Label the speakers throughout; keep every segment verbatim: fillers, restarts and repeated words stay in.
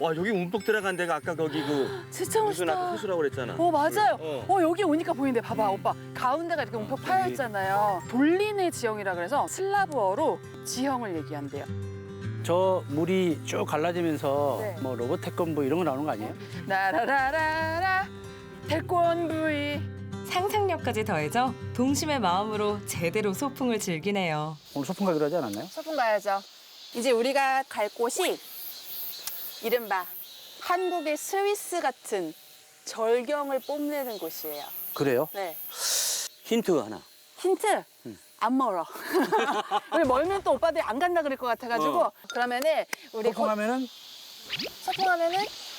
Speaker 1: 와 여기 움푹 들어간 데가 아까 거기 그
Speaker 2: 진짜
Speaker 1: 무슨 아까
Speaker 2: 멋있다.
Speaker 1: 호수라고 그랬잖아.
Speaker 2: 어 맞아요.
Speaker 1: 어.
Speaker 2: 어 여기 오니까 보이는데 봐봐 오빠 가운데가 이렇게 움푹 파여 있잖아요. 돌리네 지형이라 그래서 슬라브어로 지형을 얘기한대요.
Speaker 3: 저 물이 쭉 갈라지면서
Speaker 2: 네.
Speaker 3: 뭐 로봇 태권부 이런 거 나오는 거 아니에요?
Speaker 2: 나라라라라 태권브이.
Speaker 4: 상상력까지 더해져 동심의 마음으로 제대로 소풍을 즐기네요.
Speaker 3: 오늘 소풍 가기로 하지 않았나요?
Speaker 2: 소풍 가야죠. 이제 우리가 갈 곳이 이른바 한국의 스위스 같은 절경을 뽐내는 곳이에요.
Speaker 3: 그래요?
Speaker 2: 네.
Speaker 1: 힌트 하나.
Speaker 2: 힌트. 안 멀어. 우리 멀면 또 오빠들이 안 간다 그럴 것 같아가지고
Speaker 1: 어.
Speaker 2: 그러면은 우리
Speaker 3: 소풍
Speaker 2: 곧
Speaker 3: 하면은
Speaker 2: 소풍하면은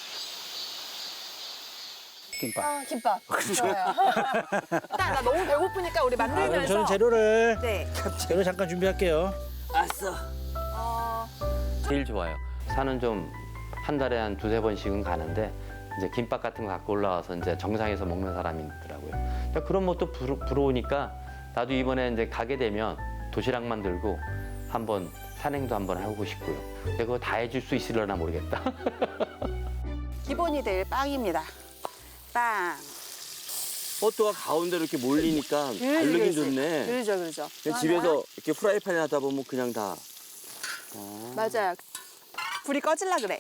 Speaker 3: 김밥.
Speaker 2: 아, 김밥. 좋아요. 나, 나 너무 배고프니까 우리
Speaker 3: 아, 그럼
Speaker 2: 만들면서.
Speaker 3: 저는 재료를
Speaker 2: 네.
Speaker 3: 재료 잠깐 준비할게요.
Speaker 1: 아싸.
Speaker 2: 어,
Speaker 5: 제일 좋아요. 산은 좀 한 달에 한 두세 번씩은 가는데 이제 김밥 같은 거 갖고 올라와서 이제 정상에서 먹는 사람이 있더라고요. 그러니까 그런 것도 부러, 부러우니까 나도 이번에 이제 가게 되면 도시락만 들고 한번 산행도 한번 하고 싶고요. 근데 그거 다 해줄 수 있으려나 모르겠다.
Speaker 2: 기본이 될 빵입니다. 빵.
Speaker 1: 버터가 가운데로 이렇게 몰리니까 바르긴 좋네.
Speaker 2: 그러죠, 그러죠.
Speaker 1: 그냥 집에서 이렇게 프라이팬에 하다 보면 그냥 다.
Speaker 2: 맞아요. 불이 꺼질라 그래.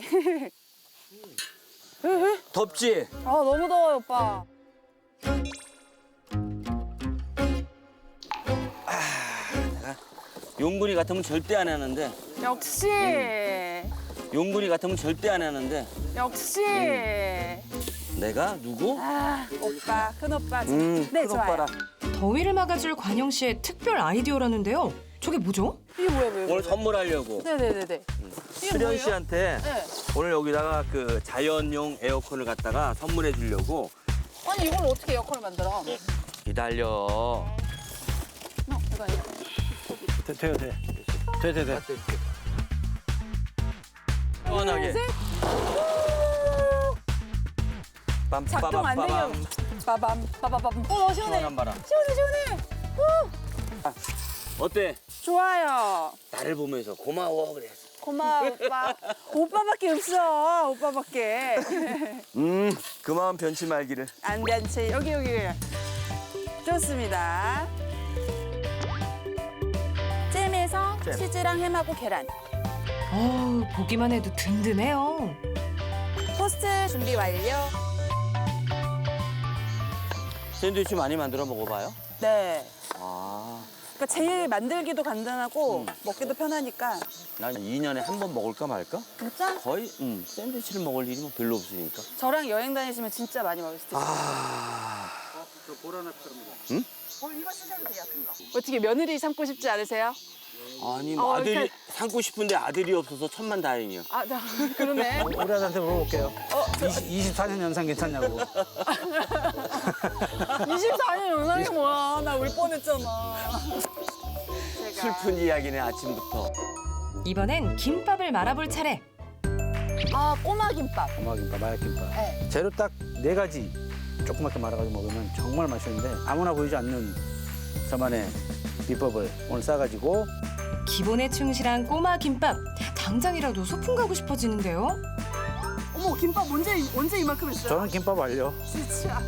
Speaker 1: 덥지?
Speaker 2: 아, 너무 더워요, 오빠.
Speaker 1: 용군이 같으면 절대 안 하는데.
Speaker 2: 역시.
Speaker 1: 용군이 같으면 절대 안 하는데.
Speaker 2: 역시.
Speaker 1: 내가 누구?
Speaker 2: 아, 오빠, 큰 오빠.
Speaker 1: 음,
Speaker 2: 네,
Speaker 1: 큰
Speaker 2: 좋아요.
Speaker 1: 오빠라.
Speaker 4: 더위를 막아줄 관영 씨의 특별 아이디어라는데요. 저게 뭐죠?
Speaker 2: 이게 뭐야, 뭐야?
Speaker 1: 오늘 선물하려고.
Speaker 2: 네네네네. 이게
Speaker 1: 수련
Speaker 2: 뭐예요?
Speaker 1: 씨한테
Speaker 2: 네.
Speaker 1: 오늘 여기다가 그 자연용 에어컨을 갖다가 선물해 주려고.
Speaker 2: 아니, 이걸 어떻게 에어컨을 만들어?
Speaker 1: 기다려.
Speaker 2: 어, 이거 아니야?
Speaker 3: 돼, 돼요, 돼. 돼, 돼, 돼.
Speaker 1: 시원하게.
Speaker 2: 작동 안 되려.
Speaker 1: 빰빠밤빠밤.
Speaker 2: 빠밤, 빠바밤. 어, 시원해.
Speaker 1: 시원한 바람.
Speaker 2: 시원해, 시원해.
Speaker 1: 어때?
Speaker 2: 좋아요.
Speaker 1: 나를 보면서 고마워 그래.
Speaker 2: 고마워, 오빠. 오빠밖에 없어, 오빠밖에.
Speaker 1: 음, 그 마음 변치 말기를.
Speaker 2: 안 돼, 안 돼. 여기, 여기. 좋습니다. 잼에서
Speaker 1: 잼.
Speaker 2: 치즈랑 햄하고 계란.
Speaker 4: 어우, 보기만 해도 든든해요.
Speaker 2: 토스트 준비 완료.
Speaker 1: 샌드위치 많이 만들어 먹어봐요.
Speaker 2: 네.
Speaker 1: 아,
Speaker 2: 그러니까 제일 만들기도 간단하고 먹기도 편하니까.
Speaker 1: 난 이 년에 한 번 먹을까 말까?
Speaker 2: 진짜?
Speaker 1: 거의 음, 샌드위치를 먹을 일이 뭐 별로 없으니까.
Speaker 2: 저랑 여행 다니시면 진짜 많이 먹을 수 있어요.
Speaker 1: 아,
Speaker 3: 저 보라나처럼.
Speaker 1: 응?
Speaker 2: 어, 이거 쓰셔도 돼요, 큰 거. 어떻게 며느리 삼고 싶지 않으세요?
Speaker 1: 아니 뭐
Speaker 2: 어,
Speaker 1: 아들이
Speaker 2: 그러니까-
Speaker 1: 삼고 싶은데 아들이 없어서 천만다행이야.
Speaker 2: 아, 나, 그러네.
Speaker 3: 우리 아들한테 물어볼게요.
Speaker 2: 어,
Speaker 3: 이십사 년 연상 괜찮냐고.
Speaker 2: 이십사 년 연상이 뭐야. 나 울 뻔했잖아. 제가.
Speaker 1: 슬픈 이야기네 아침부터.
Speaker 4: 이번엔 김밥을 말아볼 차례.
Speaker 2: 아, 꼬마 김밥.
Speaker 3: 고마김밥, 마약김밥.
Speaker 2: 네.
Speaker 3: 재료 딱 네 가지 조그맣게 말아가지고 먹으면 정말 맛있는데 아무나 보이지 않는 저만의 비법을 오늘 싸가지고
Speaker 4: 기본에 충실한 꼬마 김밥. 당장이라도 소풍 가고 싶어지는데요.
Speaker 2: 어머, 김밥 언제, 언제 이만큼 했어요?
Speaker 3: 저는 김밥 완료.
Speaker 2: 진짜.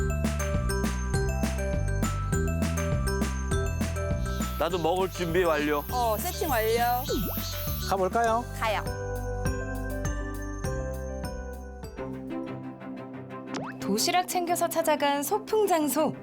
Speaker 1: 나도 먹을 준비 완료.
Speaker 2: 어, 세팅 완료.
Speaker 3: 가볼까요?
Speaker 2: 가요.
Speaker 4: 도시락 챙겨서 찾아간 소풍 장소.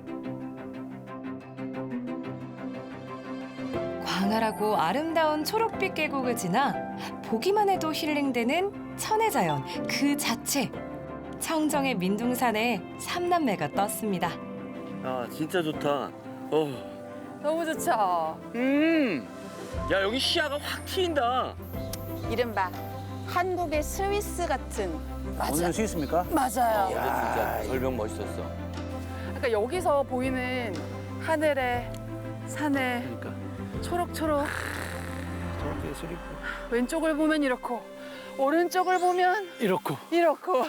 Speaker 4: 광활하고 아름다운 초록빛 계곡을 지나 보기만 해도 힐링되는 천혜자연 그 자체. 청정의 민둥산에 삼남매가 떴습니다.
Speaker 1: 아 진짜 좋다. 어.
Speaker 2: 너무 좋죠.
Speaker 1: 음. 야 여기 시야가 확 트인다.
Speaker 2: 이른바 한국의 스위스 같은. 맞아.
Speaker 3: 오늘은 스위스입니까?
Speaker 2: 맞아요.
Speaker 1: 근데 진짜 절벽 멋있었어.
Speaker 2: 그러니까 여기서 보이는 하늘에 산에
Speaker 3: 그러니까
Speaker 2: 초록초록
Speaker 3: 저렇게 소리
Speaker 2: 왼쪽을 보면 이렇고 오른쪽을 보면
Speaker 3: 이렇고.
Speaker 2: 이렇고.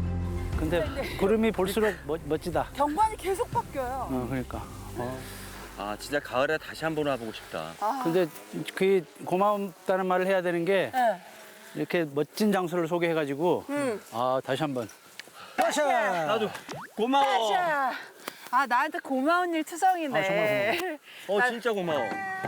Speaker 3: 근데 구름이 볼수록 멋, 멋지다.
Speaker 2: 경관이 계속 바뀌어요.
Speaker 3: 어, 그러니까. 어.
Speaker 1: 아 진짜 가을에 다시 한번 와보고 싶다.
Speaker 2: 아,
Speaker 3: 근데 그 고맙다는 말을 해야 되는 게
Speaker 2: 네.
Speaker 3: 이렇게 멋진 장소를 소개해가지고
Speaker 2: 음.
Speaker 3: 아 다시 한번 빠샤.
Speaker 1: 나도 고마워.
Speaker 2: 자, 아 나한테 고마운 일 투성이네.
Speaker 3: 아, 정말
Speaker 1: 어 진짜 고마워.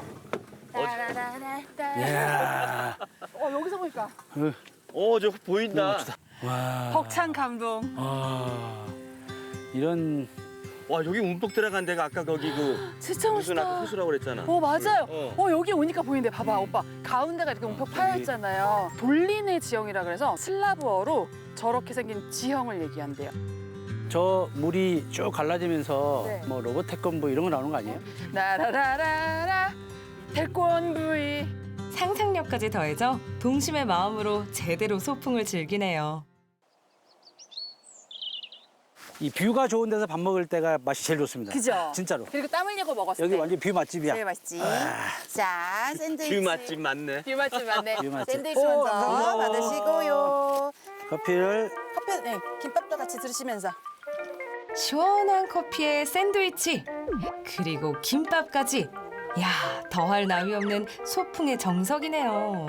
Speaker 3: 이야.
Speaker 2: 어 여기서 보니까
Speaker 1: 어 저 보인다.
Speaker 3: 와.
Speaker 2: 벅찬 감동.
Speaker 3: 아. 이런
Speaker 1: 와 여기 움푹 들어간 데가 아까 거기 그
Speaker 2: 진짜
Speaker 1: 무슨 아까
Speaker 2: 멋있다.
Speaker 1: 호수라고 그랬잖아.
Speaker 2: 어 맞아요.
Speaker 1: 어.
Speaker 2: 어 여기 오니까 보이는데 봐봐 오빠 가운데가 이렇게 움푹 파여 있잖아요. 돌리네 지형이라 그래서 슬라브어로 저렇게 생긴 지형을 얘기한대요.
Speaker 3: 저 물이 쭉 갈라지면서
Speaker 2: 네.
Speaker 3: 뭐 로봇 태권부 이런 거 나오는 거 아니에요?
Speaker 2: 나라라라라 태권브이.
Speaker 4: 상상력까지 더해져 동심의 마음으로 제대로 소풍을 즐기네요.
Speaker 3: 이 뷰가 좋은 데서 밥 먹을 때가 맛이 제일 좋습니다.
Speaker 2: 그죠?
Speaker 3: 진짜로.
Speaker 2: 그리고 땀 흘리고 먹었을
Speaker 3: 여기
Speaker 2: 때.
Speaker 3: 완전 뷰 맛집이야.
Speaker 2: 제일 맛있지. 자 샌드위치.
Speaker 1: 뷰 맛집 맞네.
Speaker 2: 뷰 맛집 맞네.
Speaker 3: 뷰 맛집.
Speaker 2: 샌드위치
Speaker 3: 오,
Speaker 2: 먼저
Speaker 3: 감사합니다.
Speaker 2: 받으시고요.
Speaker 3: 커피를
Speaker 2: 커피, 네, 김밥도 같이 들으시면서.
Speaker 4: 시원한 커피에 샌드위치 그리고 김밥까지. 야, 더할 나위 없는 소풍의 정석이네요.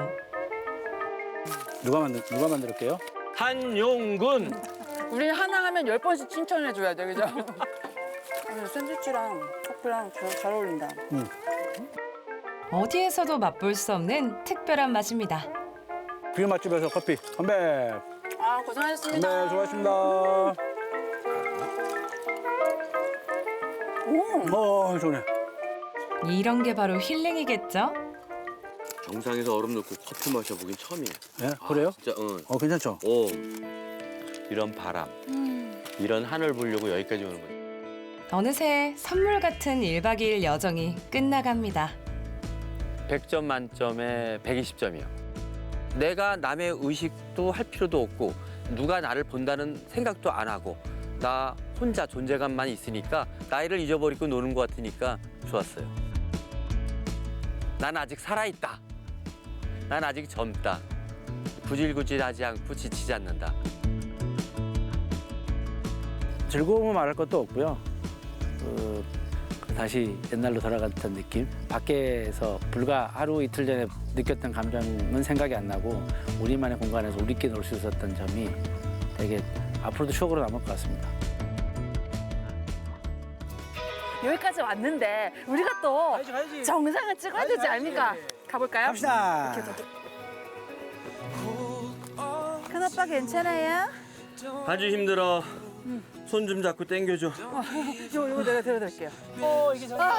Speaker 3: 누가 만들 누가 만들게요?
Speaker 1: 한용군.
Speaker 2: 우리는 하나 하면 열 번씩 칭찬해줘야 돼, 그죠? 오늘 샌드위치랑 커피랑 잘, 잘 어울린다.
Speaker 4: 어디에서도 맛볼 수 없는 특별한 맛입니다.
Speaker 3: 뷰 맛집에서 커피 건배.
Speaker 2: 아,
Speaker 3: 네,
Speaker 2: 고생하셨습니다.
Speaker 3: 수고하셨습니다.
Speaker 2: 오,
Speaker 3: 어, 좋네.
Speaker 4: 이런 게 바로 힐링이겠죠?
Speaker 1: 정상에서 얼음 넣고 커피 마셔보긴 처음이야.
Speaker 3: 예, 그래요?
Speaker 1: 진짜 응.
Speaker 3: 어, 괜찮죠?
Speaker 1: 오. 이런 바람,
Speaker 2: 음.
Speaker 1: 이런 하늘 보려고 여기까지 오는 거야.
Speaker 4: 어느새 선물 같은 일박 이일 여정이 끝나갑니다.
Speaker 5: 백 점 만점에 백이십 점이요. 내가 남의 의식도 할 필요도 없고 누가 나를 본다는 생각도 안 하고 나 혼자 존재감만 있으니까 나이를 잊어버리고 노는 것 같으니까 좋았어요. 난 아직 살아있다. 난 아직 젊다. 구질구질하지 않고 지치지 않는다.
Speaker 3: 즐거움은 말할 것도 없고요. 그, 다시 옛날로 돌아간 듯한 느낌. 밖에서 불과 하루 이틀 전에 느꼈던 감정은 생각이 안 나고 우리만의 공간에서 우리끼리 놀 수 있었던 점이 되게 앞으로도 추억으로 남을 것 같습니다.
Speaker 2: 여기까지 왔는데 우리가 또 정상을 찍어야 되지 않습니까? 가볼까요?
Speaker 3: 갑시다.
Speaker 2: 큰오빠 괜찮아요?
Speaker 1: 아주 힘들어. 손 좀 잡고 당겨줘.
Speaker 2: 이거, 이거 내가 들어드릴게요.
Speaker 3: 오, 이게 정말.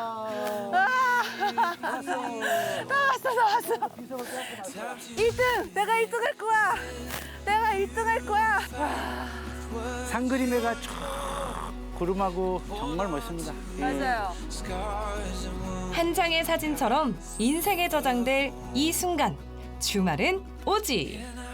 Speaker 2: 나왔어, 나왔어. 일 등! 내가 일 등 할 거야! 내가 일 등 할 거야!
Speaker 3: 상그림해가 쭉 구름하고 정말 멋있습니다.
Speaker 2: 맞아요.
Speaker 4: 한 장의 사진처럼 인생에 저장될 이 순간. 주말은 오지.